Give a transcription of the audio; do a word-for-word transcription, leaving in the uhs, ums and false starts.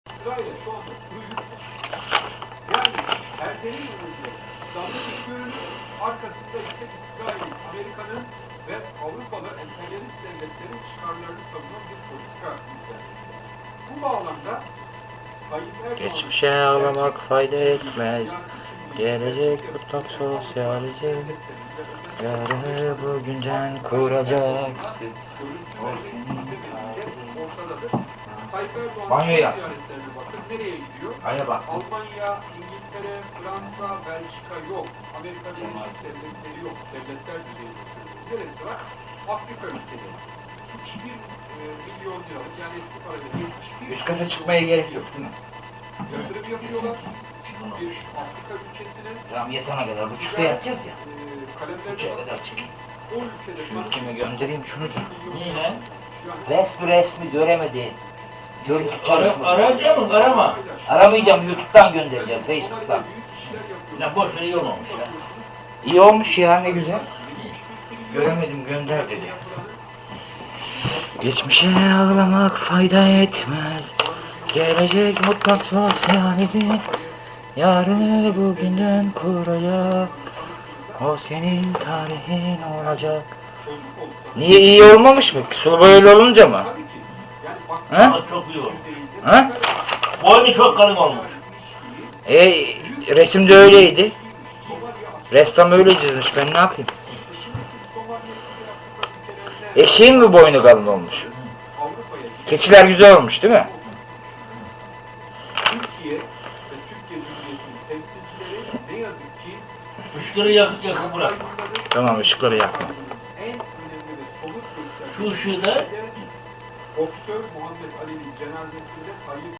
sırayla şu anda kuru yük var. Yani perdenin önünde İslam'ın bir görünüm, arkasında ise İsrail'in, Amerika'nın ve Avrupalı emperyalist devletlerin çıkarlarını savunan bir politika izlenmekte. Bu bağlamda Tayyip Erdoğan'ın Geçmişe ağlamak fayda etmez. Gelecek mutlak sosyalizm. Yarını bugünden kuracaksın. Banyo yap. Bakın nereye gidiyor? Aya bak. Almanya, İngiltere, Fransa, Belçika yok. Amerika Birleşik Devletleri yok. Devletler düzeyinde söylüyorum. Neresi var? Afrika ülkeleri. üç bin milyon liralık, yani eski parayla yetmiş bir Üst kata çıkmaya gerek yok değil mi? yatırım yapıyorlar. Bir Afrika ülkesine. Tamam yatana kadar buçukta yatacağız ya. E, kalemlerine Buçuğa bakın. kadar çıkayım. O ülkede Şu ülkeme göndereyim şunu da. Niye lan? Resmi resmi göremedi. Görüntü Ara, çalışmadı. arayacak mı? Arama. Aramayacağım, YouTube'dan göndereceğim, Facebook'tan. Ne boş ver iyi olmamış ya. İyi olmuş ya, ne güzel. Göremedim, gönder dedi. Geçmişe ağlamak fayda etmez. Gelecek mutlak sosyalizm. Yarını bugünden kuracak. O senin tarihin olacak. Niye, iyi olmamış mı? Sulu böyle olunca mı? Ha? Ama çok iyi olmuş. Ha? Boynu çok kalın olmuş. E, resimde öyleydi. Ressam öyle çizmiş, ben ne yapayım? Eşeğin mi boynu kalın olmuş? Keçiler güzel olmuş değil mi? Türkiye ve Türkiye Cumhuriyeti'nin temsilcileri ne yazık ki Işıkları yakıp yakıp bırak. Tamam, ışıkları yakma. en önemli ve somut Şu gösterge ışığı da boksör Muhammed Ali'nin cenazesinde Tayyip